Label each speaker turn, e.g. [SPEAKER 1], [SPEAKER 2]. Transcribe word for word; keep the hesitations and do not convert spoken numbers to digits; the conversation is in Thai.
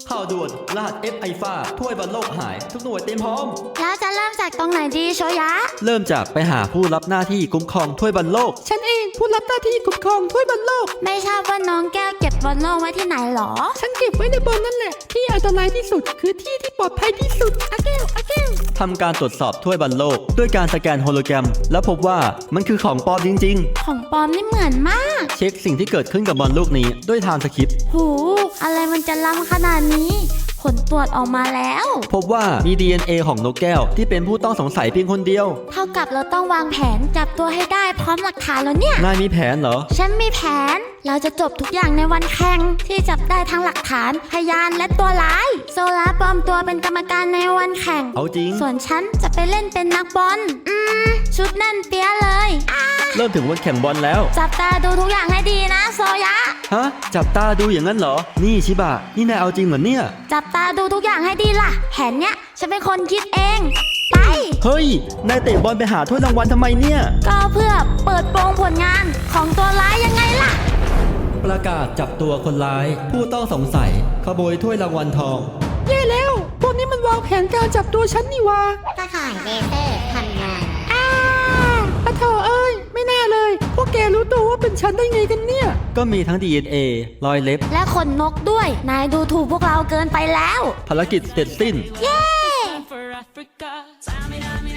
[SPEAKER 1] ข่าวด่วนรหัส F ไอฟ้าถ้วยบอลโลกหายทุกหน่วยเตรียมพร้อม
[SPEAKER 2] แล้วจะเริ่มจากตรงไหนดีโชยะ
[SPEAKER 1] เริ่มจากไปหาผู้รับหน้าที่คุ้มครองถ้วยบอลโลก
[SPEAKER 3] ฉันเองผู้รับหน้าที่คุ้มครองถ้วยบอลโลก
[SPEAKER 2] ไม่ทราบว่าน้องแก้วเก็บบอลโลกไว้ที่ไหนหรอ
[SPEAKER 3] ฉันเก็บไว้ในบอลนั่นแหละที่อันตรายที่สุดคือที่ที่ปลอดภัยที่สุดอาเกลอาเกล
[SPEAKER 1] ทำการตรวจสอบถ้วยบอลโลกด้วยการสแกนโฮโลแกรมแล้วพบว่ามันคือของปลอมจริง
[SPEAKER 2] ๆของปลอมนี่เหมือนมาก
[SPEAKER 1] เช็คสิ่งที่เกิดขึ้นกับบอลลูกนี้ด้วยไทม์สคริปต์
[SPEAKER 2] หูอะไรมันจะล้ำขนาดนี้ผลตรวจออกมาแล้ว
[SPEAKER 1] พบว่ามี ดี เอ็น เอ ของนกแก้วที่เป็นผู้ต้องสงสัยเพียงคนเดียว
[SPEAKER 2] เท่ากับเราต้องวางแผนจับตัวให้ได้พร้อมหลักฐานแล้วเนี่ย
[SPEAKER 1] นายมีแผนเหรอ
[SPEAKER 2] ฉันมีแผนเราจะจบทุกอย่างในวันแข่งที่จับได้ทั้งหลักฐานพยานและตัวร้ายโซลาปลอมตัวเป็นกรรมการในวันแข่ง
[SPEAKER 1] เอาจริง
[SPEAKER 2] ส่วนฉันจะไปเล่นเป็นนักบอลอืมชุดแน่นเปี้ยเลย
[SPEAKER 1] เริ่มถึงวันแข่งบอลแล้ว
[SPEAKER 2] จับตาดูทุกอย่างให้ดีนะโซยะ
[SPEAKER 1] ฮะจับตาดูอย่างนั้นเหรอนี่ชิบะนี่นายเอาจริงเหรอเนี่ย
[SPEAKER 2] จับตาดูทุกอย่างให้ดีล่ะแผนเนี้ยฉันเป็นคนคิดเองไป
[SPEAKER 1] เฮ้ยนายเตะบอลไปหาถ้วยรางวัลทำไมเนี่ย
[SPEAKER 2] ก็เพื่อเปิดโปงผลงานของตัวร้ายยังไงล่ะ
[SPEAKER 1] ประกาศจับตัวคนร้ายผู้ต้องสงสัยขโมยถ้วยรางวัลทอง
[SPEAKER 3] แย่แล้วพวกนี้มันวางแผนการจับตัวฉันนี่วะ
[SPEAKER 2] ตะข่ายเลเซอร์ทำงาน
[SPEAKER 3] อ้าปะเถอะเอ้ยไม่น่าเลยพวกแกรู้ตัวว่าเป็นฉันได้ไงกันเนี่ย
[SPEAKER 1] ก็มีทั้ง ดี เอ็น เอ รอยเล็บ
[SPEAKER 2] และขนนกด้วยนายดูถูกพวกเราเกินไปแล้ว
[SPEAKER 1] ภารกิจเสร็จสิ้น
[SPEAKER 2] เย้